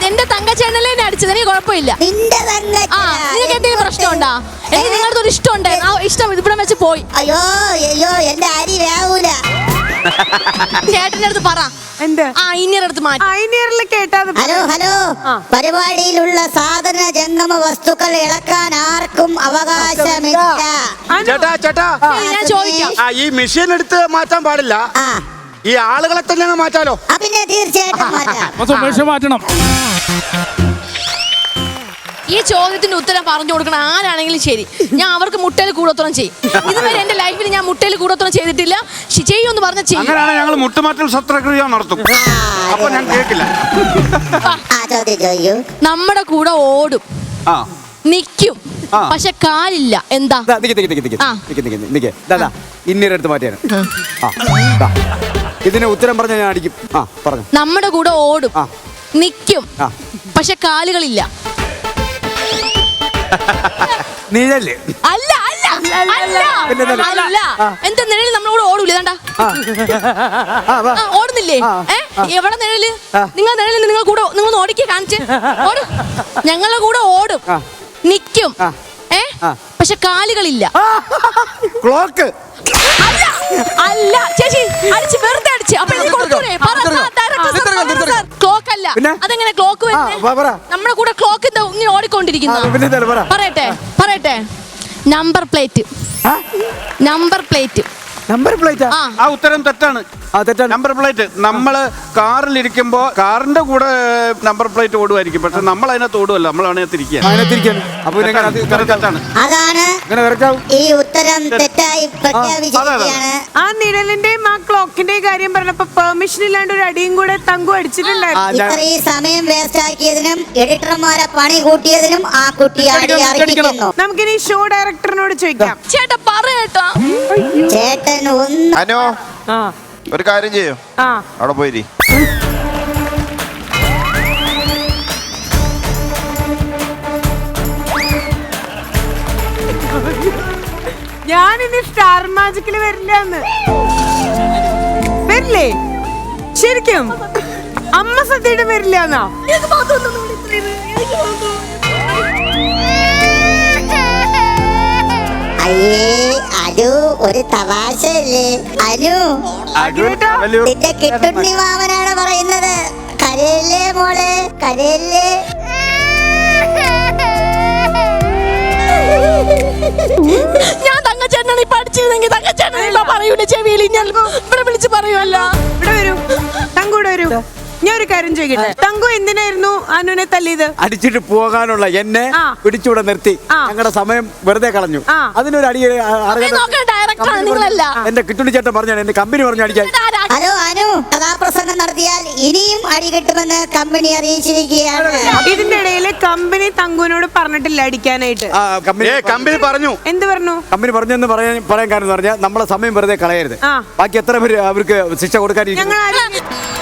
എന്റെ തങ്കച്ചേട്ടനല്ലേ എന്നെ അടിച്ചത്, എനിക്ക് കുഴപ്പമില്ല. നിന്റെ തന്നെ നിനക്ക് എന്തെങ്കിലും പ്രശ്നമുണ്ടാ? എനിക്ക് നിങ്ങളുടെ ഒരു ഇഷ്ടം ഉണ്ടായിരുന്നു, ആ ഇഷ്ടം ഇവിടെ വെച്ച് പോയി. അയ്യോ അയ്യോ എന്റെ അരി വേവൂല. ചേട്ടന്റെ അടുത്ത് പറ, ഇനിയർ അടുത്ത് മാറ്റി. കേട്ടാ. ഹലോ ഹലോ, പരിപാടിയിലുള്ള സാധന ജംഗമ വസ്തുക്കൾ ഇളക്കാൻ ആർക്കും അവകാശമില്ല. ചേട്ടാ ചേട്ടാ, ഞാൻ ചോദിക്കാം, ഈ മെഷീൻ എടുത്ത് മാറ്റാൻ പാടില്ല, ഈ ആളുകളെ തന്നെ മാറ്റാലോ? പിന്നെ തീർച്ചയായിട്ടും മാറ്റണം. ഈ ചോദ്യത്തിന്റെ ഉത്തരം പറഞ്ഞു കൊടുക്കണം ആരാണെങ്കിലും ശരി. ഞാൻ അവർക്ക് മുട്ടയിൽ കൂടോത്രം ചെയ്യും. ഇതുവരെ എന്റെ ലൈഫിൽ ഞാൻ മുട്ടയിൽ കൂടോത്രം ചെയ്തിട്ടില്ല. ചെയ്യുമെന്ന് പറഞ്ഞ ചെയ്യും. അങ്ങനെയാണ് ഞങ്ങൾ മുട്ടുമാറ്റൽ ശസ്ത്രക്രിയ നടത്തും. അപ്പൊ ഞാൻ കേൾക്കില്ല. നമ്മുടെ കൂടെ ഓടും, നിക്കും, പക്ഷെ കാലില്ല. എന്താ? ഇന്നൊരിടത്ത് മാറ്റിയാണ്. ഇതിന് ഉത്തരം പറഞ്ഞ ഞാൻ അടിക്കും. പറഞ്ഞു. നമ്മുടെ കൂടെ ഓടും, നിക്കും, പക്ഷെ കാലുകളില്ല. നിഴല്. അല്ല അല്ല അല്ല, എന്താ നിഴല് നമ്മളോട് ഓടൂല? ഓടുന്നില്ലേ? എവിടെ നിഴല്? നിങ്ങൾ നിഴല് നിങ്ങൾ കൂടെ നിങ്ങൾ ഓടിക്കുക, കാണിച്ച് ഓടും. ഞങ്ങളുടെ കൂടെ ഓടും, നിക്കും, പക്ഷെ കാലുകളില്ല. ക്ലോക്ക്. അല്ല ചേച്ചി, അടിച്ച് വെറുതെ അടിച്ച്. അപ്പൊ ക്ലോക്ക് അല്ല. അതെങ്ങനെ ക്ലോക്ക് വരുന്നത്? നമ്മുടെ കൂടെ ക്ലോക്ക് ഇങ്ങനെ ഓടിക്കൊണ്ടിരിക്കുന്ന. പറയട്ടെ, number plate. Number plate. Number plate. ആ ഉത്തരം തെറ്റാണ്. നമ്പർ പ്ലേറ്റ് നമ്മള് കാറിലിരിക്കുമ്പോ കാറിന്റെ കൂടെ നമ്പർ പ്ലേറ്റ് ഓടുമായിരിക്കും, പക്ഷെ നമ്മൾ അതിനകത്ത് ഓടുമല്ല, നമ്മൾ അതിനകത്തിരിക്കുകയാണ്. അതാണ് ഈ ഉത്തരം തെറ്റായി പ്രഖ്യാപിച്ചിരിക്കുകയാണ്. ആ നിഴലിന്റെയും ആ ക്ലോക്കിന്റെയും കാര്യം പറഞ്ഞപ്പോ പെർമിഷൻ ഇല്ലാണ്ട് ഒരു അടിയും കൂടെ തങ്കു അടിച്ചിട്ടുണ്ടായിരുന്നു. ഇത്രയും സമയം വേസ്റ്റ് ആക്കിയതിനും എഡിറ്റർമാരെ പണി കൂട്ടിയതിനും ആ കുട്ടി അടിക്കുന്നു. നമുക്കിനി ഷോ ഡയറക്ടറിനോട് ചോദിക്കാം. ചേട്ടാ പറയട്ടോ. ചേട്ടൻ ഒന്ന് അനു ഒരു കാര്യം ചെയ്യോ, അവിടെ പോയിരി. ഞാനിനി സ്റ്റാർ മാജിക്കില് വരില്ലെന്ന്. വരില്ലേ? ശരിക്കും അമ്മ സദ്യയുടെ വരില്ലെന്നാ? അനു ഒരു തമാശയല്ലേ? അനു നിന്റെ കിട്ടുണ്ണി മാമനാണ് പറയുന്നത്. കരയല്ലേ മോളെ, കരയല്ലേ. ഞാൻ തങ്കച്ചേട്ടനാണ് ഇപ്പൊ അടിച്ചിരുന്നെങ്കിൽ തങ്കച്ചേട്ടൻ പറയൂല ചെവിയിൽ. ഞാൻ ഇവിടെ വിളിച്ച് പറയുമല്ലോ. ഇവിടെ വരൂ, തങ്കൂടെ വരൂ. ഞാൻ ഒരു കാര്യം ചോദിക്കട്ടെ, തങ്കു എന്തിനായിരുന്നു അനുവിനെ തല്ലിയത്? അടിച്ചിട്ട് പോകാനുള്ള എന്നെ പിടിച്ചൂടെ നിർത്തി ഞങ്ങളുടെ സമയം വെറുതെ കളഞ്ഞു. അതിനൊരു അടി. എന്റെ കിട്ടുണ്ണി ചേട്ടൻ പറഞ്ഞാണ്, എന്റെ കമ്പനി പറഞ്ഞു അടിക്കാൻ. ഹലോ അനു, കഥാപ്രസംഗം നടത്തിയാൽ ഇനിയും അടി കിട്ടുമെന്ന് കമ്പനി അറിയിച്ചിരിക്കുകയാണ്. ഇതിന്റെ ഇടയില് കമ്പനി തങ്കുവിനോട് പറഞ്ഞിട്ടില്ല അടിക്കാനായിട്ട്. കമ്പനി പറഞ്ഞു. എന്ത് പറഞ്ഞു? കമ്പനി പറഞ്ഞെന്ന് പറയാൻ കാരണം പറഞ്ഞാൽ നമ്മളെ സമയം വെറുതെ കളയരുത്. ബാക്കി എത്ര പേര് അവർക്ക് ശിക്ഷ കൊടുക്കാതിരിക്കും. ഞങ്ങൾ